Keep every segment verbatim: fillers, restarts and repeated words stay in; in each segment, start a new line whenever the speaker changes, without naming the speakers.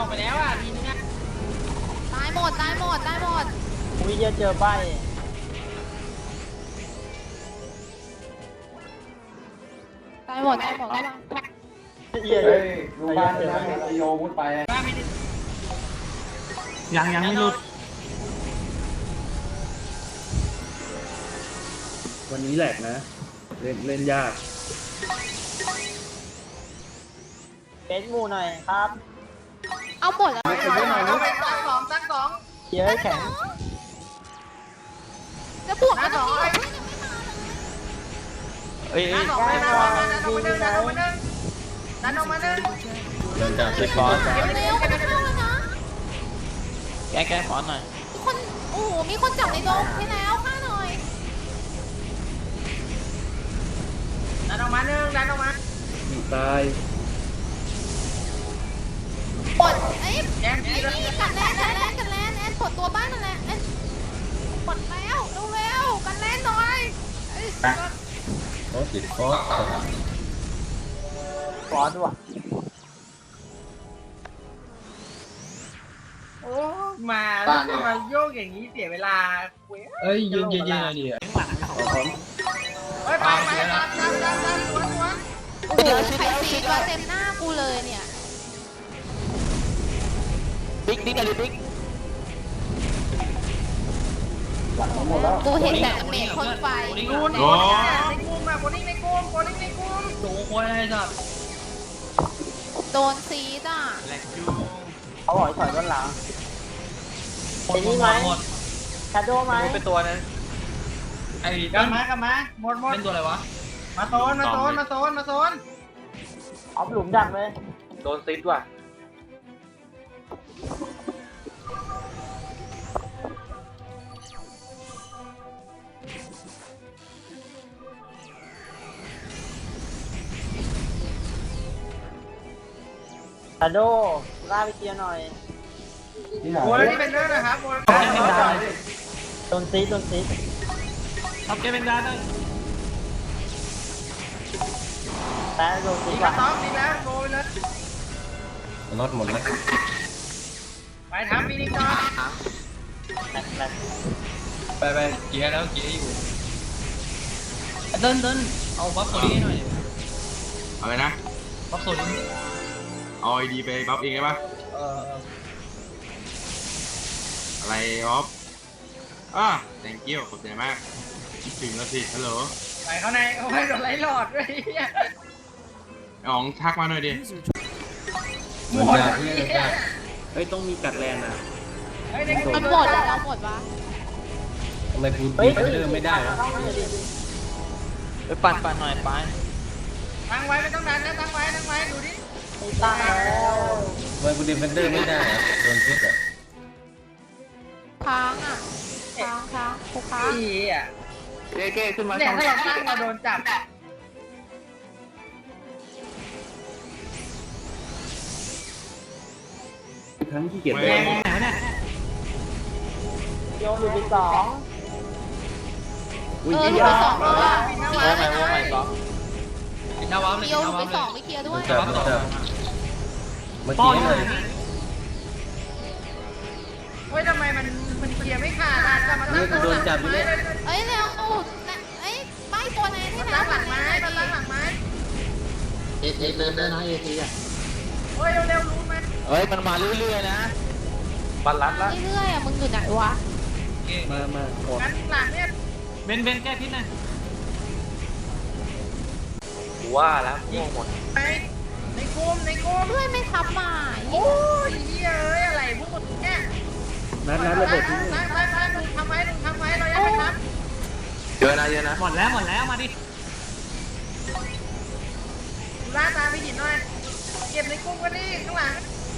อกไปแล้วอ่ะทีนึงอ่ะ
ตายหมดตายหมดตายหมด
วิจะเจอใบ
ตายหมดตายหมดแล้ว
เหี้ย
เฮ้ยดูบ้านเลยนะไอโยมุดไป
ยังยังไม่หลุด
วันนี้แหลกนะเล่นเล่นยาก
เป็นหมูหน่อยครับ
เอาหมดแล้ว
เอาไปตั้งสองตั้งสอง
เยอะแข็ง
จะบวกกันต่อ
เอ้ยตั้งสองไปนะดันออกมาหนึ่งดันออกมาหนึ่งดันออกมาหนึ่ง
เดินจากเซ็กฟอร์
เร็วกันเข้าแล้วนะ
แกแกขอหน่อย
มีคนโอ้โหมีคนจับในดงที่แล้วฆ่าหน่อย
ดันออกมาหนึ่งดันออกมา
ตาย
ปลดไอ้ไอ้นี่กันแลนกันแลนกันแลนแอนปลดตัวบ้านนั่นแหละแอนปลดแล้วเร็วๆกันแลนหน่อย
โอ้ติดโค้ด
ฟอสว่ะ
โอ้มาแล้วมาโยกอย่างนี้เสียเวลา
เอ้ยยืนยืนยืนอะไรดิ
เฮ้ยไปไปดันดันดันดันสวนสวน
โอ้โหใครซีก็เต็มหน้ากูเลยเนี่ย
บิ๊กบิ๊กอะไรบิ๊ก
กูเห็นแต่เมฆคนไฟ
ดูนในกลุ่มอะคนนี้ในกลุ่มคนนี้ในกลุ่มโดนคนอะไรสัตว์
โดนซีดอ่ะ
เขาบอกถอยด้านหลังเป็นนี่ไหมชาโดไหม
เป็นตัวนั้นไอ้กันมากลับมาหมดหมดเป็นตัวอะไรวะมาโซนมาโซนมาโซนมาโซน
เอาหลุมดักเลย
โดนซิดว่ะ
ชาโดล่าไปเคลียร์หน่อย
โอ้ยนี่เป็นเรื่องนะครับโอ้ย
โดนซีโดนซี
ทำเกมเป็นดานเลย
แต่โดนซี
ดี
กว่า
ต้องดีแล้วโกยเลย
รถหมดแล้ว
ไปทำปีนี้ก่อน
ไปไปเกียร์แล้วเกียร์อยู่
เดินเดินเอาบัฟโซลี่หน่อย
เอาเลยนะ
บัฟโซลี่
เอาไอดีไปบัฟเองได้ปะ
เออ
อะไรออฟอ่ะ thank you ขอบใจมากคิดถึงแล้วสิฮัลโหล
ไปเข้าในเอาไปโดนไล่หลอดด้วย
อ๋องทักมาหน่อยดิ
หมด
เฮ้ยต้องมีกัดแลนนะ
มันหมดแล้วเราหมดวะ
ทำไมกูดีเริ่มไม่ได้วะ
ไปปั่นปั่นหน่อยไปตั้งไว้ไม่ต้องดันนะตั้งไว้ตั้งไว้ดูดิ
ตั้งแล้ว
ทำไมกูดีเฟนเดอร์ไม่ได้โดนพิษอ่ะ
ค้างอ่ะค้างค้างกูค้าง
อีอ่ะ
เก้เก้ขึ้นมา
เนี่ยถ้าเราตั้งเราโดนจับ
ครั้งที่เกียรติ
แรงเนี่ย
โยนอยู่ที่สอง
เอออยู่ไปสองแล้วอ่ะ
โอ้ไม่โอ้ไม่สองปิดหน้าวาร์ปเลย
โยนไปสองไปเคลียร์ด้วย
จับจับเมื่อกี้เลย
เฮ้ยทำไมมันมันเคลียร์ไม่ขาดอ่ะจะมาตั้ง
โดนจับอยู่เลย
เอ้ยเร็วโอ้เอ้ยใบตัวไหนที่ไหน
ตั้งหลังไม้ตั้งหลังไม้
เอเอเดินได้นะเอทีอ่ะ
เฮ้ยเร็วๆรู้ไหม
เฮ้ยมันมาเรื่อยๆนะ
บัลลัดละ
เรื่อยๆอ่ะมึงอยู่ไหนวะ
มามาขอ
งั้นหลังเนี่ยเบนเบนแก้พิษหน่อยว่าแล้วยิงหมดไปในกลุ่มในกลุ่ม
เพื่อนไม่ทับมา
โอ้ยเฮ้ยอะไรพวกมึงเนี่ย
นัดนัดระเบิดที่นี่
ตั้งตั้งตั้งทำไว้ทำไว้เรายังไม่ทำ
เยอะนะเยอะนะ
หมดแล้วหมดแล้วมาดิล่าตาไปหยิบหน่อยเก็บในกลุ่มกันดิข้างหลัง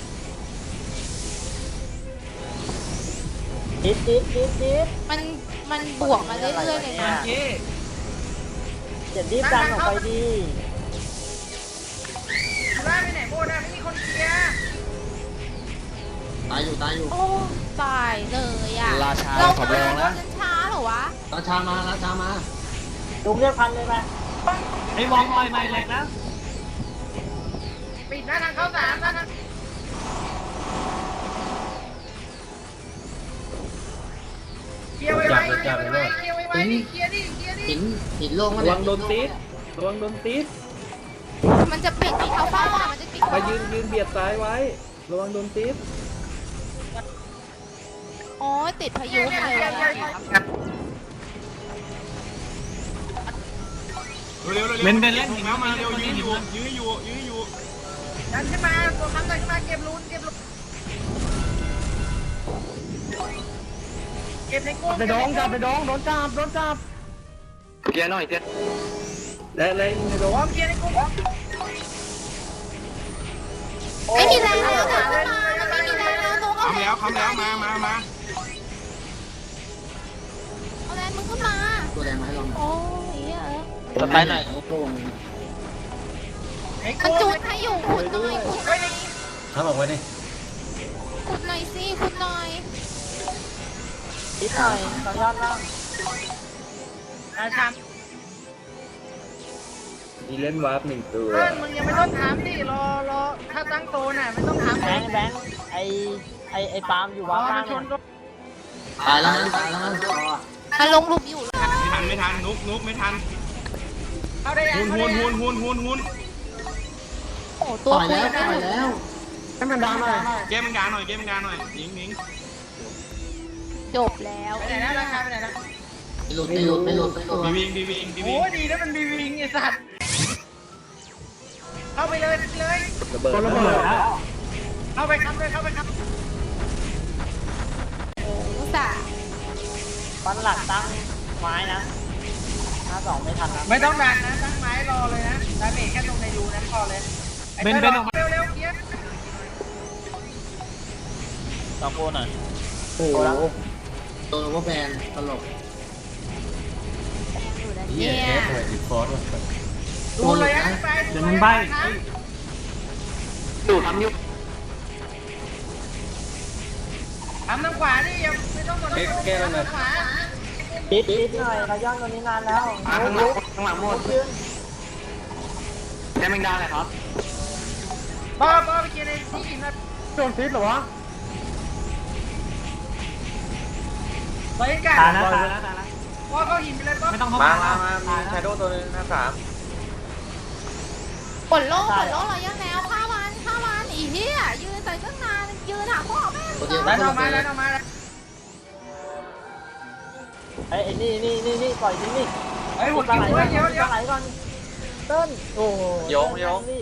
ดิดดิดดิดดิด
มันมันบวกมาเรื่อยๆเลยนะ
อย่าดิบดันออกไปดี
ล่าไปไหนโบนะไม่มีคนเคลียร์
ตายอยู่ตายอยู่
โอ้ตายเลยอ่ะ
ราชา
เรา
ขอบแรงนะ
ช้าเหรอวะ
ราชามาราชามา
ลุงเรียกพันเลยไหม
ไอ้วองลอยใหม่เลยนะปิดหน้าทางเข้าสามนะนะเคลียร์ไว้เคลียร์ไว้เคลียร์ดิเคลียร์ดิ
หินหินโล่ง
ระวังโดนตีดระวังโดนตีด
มันจะปิดเขาเป้าอ่ะมันจะปิด
มายืนยืนเบียดซ้ายไว้ ระวังโดนตีด
โอ้ยติดพายุ
เนี่ย
ใคร
เนี่
วะ
ยเนี่ย
เร็วเร็วเร็วเบนเบนเล่นถึงแล้วมาเร็วยื้ออยู่ยื้ออยู่ยื้ออยู่
ดันขึ้นมาตัวคำดันขึ้นมาเก็บลูนเก็บลูนเก็บในกุ้ง
ไปดองจับไปดองโดนจับโดนจับ
เคลียร์หน่อยเคลียร์
และและในโด
พร้อ
ม
มเคลียร์ในกุ้ง
ไม่มีแรงแล้วนะขึ้นมามันไม่มีแรงแล้วตัวก็
คำแล้วคำแล้วมามามา
เอาแรงมึงขึ้นมา
ตัวแรงมาให้ลอง
โอ้ยเหี้ย
สไปหน่อยโล่ง
ใน
มัน
กุ้ง
จุดให้อยู่ขุดหน่อยขุดหน่อย
ทำออกไว้ดิ
ขุดหน่อยสิขุดหน่อย
นิดหน่อยต่อยอดล่าง
อาชาม
มีเล่นวาร์ปหนึ่งตัว
เพื่อนมึงยังไม่ต้องถามดิรอรอถ้าตั้งโตน่ะไม่ต้องถาม
แบงค์แบงค์ไอไอไอปาล์มอยู่
รอ
วาร์ป
มา
ล่าง
ชนก็
ตายแล้วนะตายแล้วนะ
มันลงหลุมอยู่แล้ว
ไม่ทันไม่ทันนุกนุกไม่ทัน
เอาได้ยัง
หุนหุนหุนหุนหุนหุน
โอ้ตัว
ต่อย
คุ
แล้ว
ยนะ
ต่อยแล้วให้มันดังหน่อย
เกมมันกาหน่อยเกมมันกาหน่อยยิงยิง
จบแล้ว
ไปไหนนะราคาไปไหนนะ
หลุดไม่หลุดไม่หลุดไม่หลุด
บีวิงบีวิงบีวิ
โอ้
ง
ดีแล้วมันบีวิงไอ้สัตว์เข้าไปเลยเลย
ระเบิดระเบิด
เข้าไปครับเลยเข้าไปครับ
โอ้อุตส่าห์
ฟันหลักตั้งไม้นะห้าสองไม่ทันนะ
ไม่ต้องดันนะตั้งไม้รอเลยนะดาเมจแค่ตรงในรูนั้นพอเลยเบนเบนออกมาเร็วๆเกียร์
ต่อโกนหน่อยโอ้โหตัวว่าแบนตลก
อยู่นะ
เหี้
เนี่ย ย
แอดหน่อยติดฟอสว่ะ
ดูเลยนะไป
เดี๋ยวมันใบ้ดูทำยุบ
ทำทางขวานี่ยังไม่ต้องกดทางขวา
ปิดปิดหน่อยเราย่อนตัวนี้นานแล้วข้างหลังข้างหลังหมดแค่แมงดาเลยครับ
ป้าป้าไปเกียร์ในที่หินนะ
โดนฟิตเหรอวะ
ไปกัน
ตายแล้วตายแล้วตายแล้ว
ป้าเข้าหินไปเลยป้าไม่ต้อง
มามามามีชาโดว์ตัวนึงหน้าสาม
ปลดโล่ปลดโล่เรายังแนวฆ่ามันฆ่ามันอีเหี้ยยืนใส่ตั้งนานยืนหาพ่อแม่
แล้วออกมาแล้วออกมาแล้ว
ไอ้นี่นี่นี่นี่ปล่อยนี่นี่
เฮ้ยหมดกินด้วยเดี๋ยวเดี๋ยว
ไหลก่อนเต้นโอ้โยงโยงนี่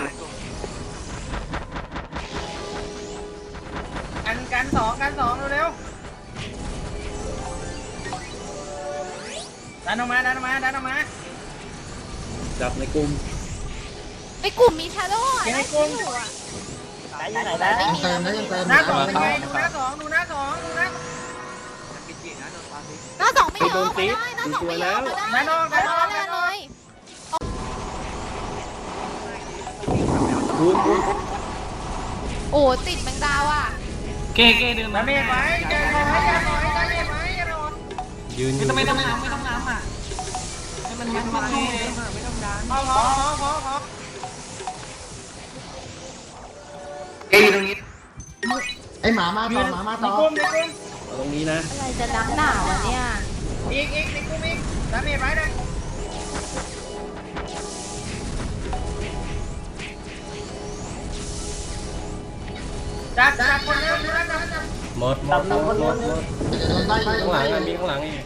กันกันสองกันสองเร็วดันออกมาดันออกมาดันออกมา
จับในกลุ่ม
ไอ้กลุ่มมีชาโดว์อ่ะ
ไหนอยู่ไหนแล้วยังเติมแล้วยังเติม
หน้าสองเป็นไงดูหน้าสองดูหน้าสองดูหน้า
หน้าสองไม่ยอมมาได้หน้าสองไม่ยอมมาได้
ดันออกดันออก
เล
ดั
ย
นอ
เล
อก
ย
คูณคูณ
โอ้ติดแมงดาว่ะ
เก้เก้ดื่มดาเมจไว้อย่าถอยอย่าถอยดาเมจไว้อย่าถอย
ยืน
ไม่ต้องไม่ต้องน้ำไม่ต้องน้ำอ่ะให้มันมันมันไม่ต้องดันพอพอพอพอ
เอ้ยตรงนี้ไอหมามาต่อหมามา
ใน
ต่อก
ลุ่มในกลุ่ม
เอาตรงนี้นะ
อะไรจะนักหนาวะเนี่ย
อีกอีกในกลุ่มอีกดาเมจไว้เลยจับจับคนเร็วจับจับจับ
หมดหมดหมดหมดหมดข้างหลังอ่ะมีข้างหลังอีก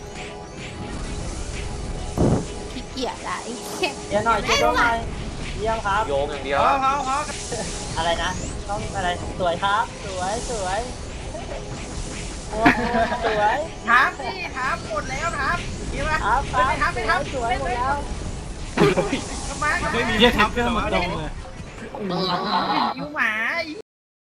ขี้เกียจอะไอ้เหี้ย
เดี๋ยวหน่อยเดี๋ยวหน่อยเยี่ยมครับโยงอย่างเดียว
พอพอพอ
อะไรนะต้องอะไรสวยครับสวยสวยสวย
ถามสิถามหมดแล้วถามดีป่ะ
ครับค
ไม่
รับ
ถามไม่ถาม
สวยหมดแล้ว
ทำไม
ไม่มีเยอะครับเพื่อนมาตรงเลย
อยู่หมา